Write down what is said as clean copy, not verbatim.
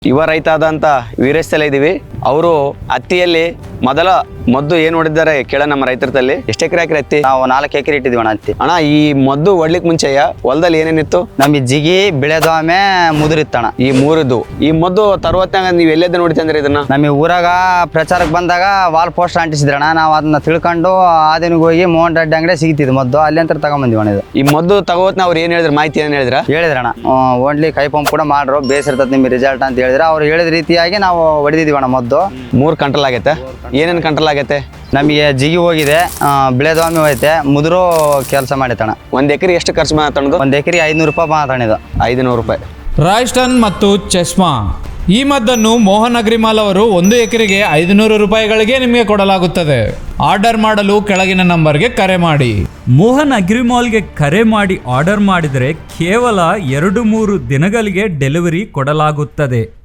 ಯುವ ರೈತ ಆದಂತ ವೀರೇಶ್ ಇದೀವಿ. ಅವರು ಹತ್ತಿಯಲ್ಲಿ ಮೊದಲ ಮದ್ದು ಏನ್ ಹೊಡಿದ್ದಾರೆ ಕೇಳ ನಮ್ಮ ರೈತರಲ್ಲಿ. ಎಷ್ಟು ಎಕರೆ ಹಾಕಿರಿ ಹತ್ತಿ? ನಾವು 4 ಎಕರೆ ಇಟ್ಟಿದ್ವಿ ಅಣ್ಣ ಹತ್ತಿ. ಅಣ್ಣ, ಈ ಮದ್ದು ಹೊಡ್ಲಿಕ್ ಮುಂಚೆಯ ಹೊಲದಲ್ಲಿ ಏನೇನಿತ್ತು? ನಮಗೆ ಜಿಗಿ ಬೆಳೆದೊಮ್ಮೆ ಮುದುರಿತ್ತಣ್ಣ. ಈ ಮೂರದ್ದು ಈ ಮದ್ದು ತರುವತ್ತಾಗ ನೀವು ಎಲ್ಲೆದ್ದು ನೋಡಿತಿ ಅಂದ್ರೆ ಇದನ್ನ? ನಮಗೆ ಊರಾಗ ಪ್ರಚಾರಕ್ಕೆ ಬಂದಾಗ ವಾಲ್ ಪೋಸ್ಟ್ ಅಂಟಿಸಿದ್ರಣ್ಣ. ನಾವು ಅದನ್ನ ತಿಳ್ಕೊಂಡು ಆದಿನಿಗೆ ಹೋಗಿ ಮೋಹನ್ ರೆಡ್ಡಿ ಅಂಗಡಿ ಸಿಗ್ತಿದ್ದು ಮದ್ದು, ಅಲ್ಲಿ ಅಂತ ತಗೊಂಬಂದಿವಣ್ಣ. ಇದು ಈ ಮದ್ದು ತಗೋತ್ನ ಅವ್ರು ಏನ್ ಹೇಳಿದ್ರು? ಮಾಹಿತಿ ಏನ್ ಹೇಳಿದ್ರಣ್ಣ. ಓನ್ಲಿ ಕೈ ಪಂಪ್ ಕೂಡ ಮಾಡ್ರು, ಬೇಸಿರ್ತದೆ ನಿಮ್ಗೆ ರಿಸಲ್ಟ್ ಅಂತ ಹೇಳಿದ್ರೆ. ಅವ್ರು ಹೇಳಿದ ರೀತಿಯಾಗಿ ನಾವು ಹೊಡೆದಿದ್ದೀವಣ್ಣ ಮದ್ದು. 3 ಕಂಟ್ರೋಲ್ ಆಗೈತೆ. ಏನೇನು ಕಂಟ್ರೋಲ್ ಆಗೈತೆ? ನಮಗೆ ಜಿಗಿ ಹೋಗಿದೆ, ಬೆಳೆದೊಮ್ಮೆ ಹೋಯ್ತೆ, ಮುದುರು ಕೆಲಸ ಮಾಡಿತಣ್ಣ. 1 ಎಕರೆ ಎಷ್ಟು ಖರ್ಚು ಮಾತಾಡೋದು? 1 ಎಕರೆ 500 ರೂಪಾಯಿ ಮಾತಾಡಿದ್ದು. 500 ರೂಪಾಯಿ. ರಾಯ್ಸ್ಟನ್ ಮತ್ತು ಚೆಸ್ಮಾ ಈ ಮದ್ದನ್ನು ಮೋಹನ್ ಅಗ್ರಿಮಾಲ್ ಅವರು 1 ಎಕರೆಗೆ 500 ರೂಪಾಯಿಗಳಿಗೆ ನಿಮಗೆ ಕೊಡಲಾಗುತ್ತದೆ. ಆರ್ಡರ್ ಮಾಡಲು ಕೆಳಗಿನ ನಂಬರ್ಗೆ ಕರೆ ಮಾಡಿ. ಮೋಹನ್ ಅಗ್ರಿಮಾಲ್ಗೆ ಕರೆ ಮಾಡಿ ಆರ್ಡರ್ ಮಾಡಿದರೆ ಕೇವಲ 2-3 ದಿನಗಳಿಗೆ ಡೆಲಿವರಿ ಕೊಡಲಾಗುತ್ತದೆ.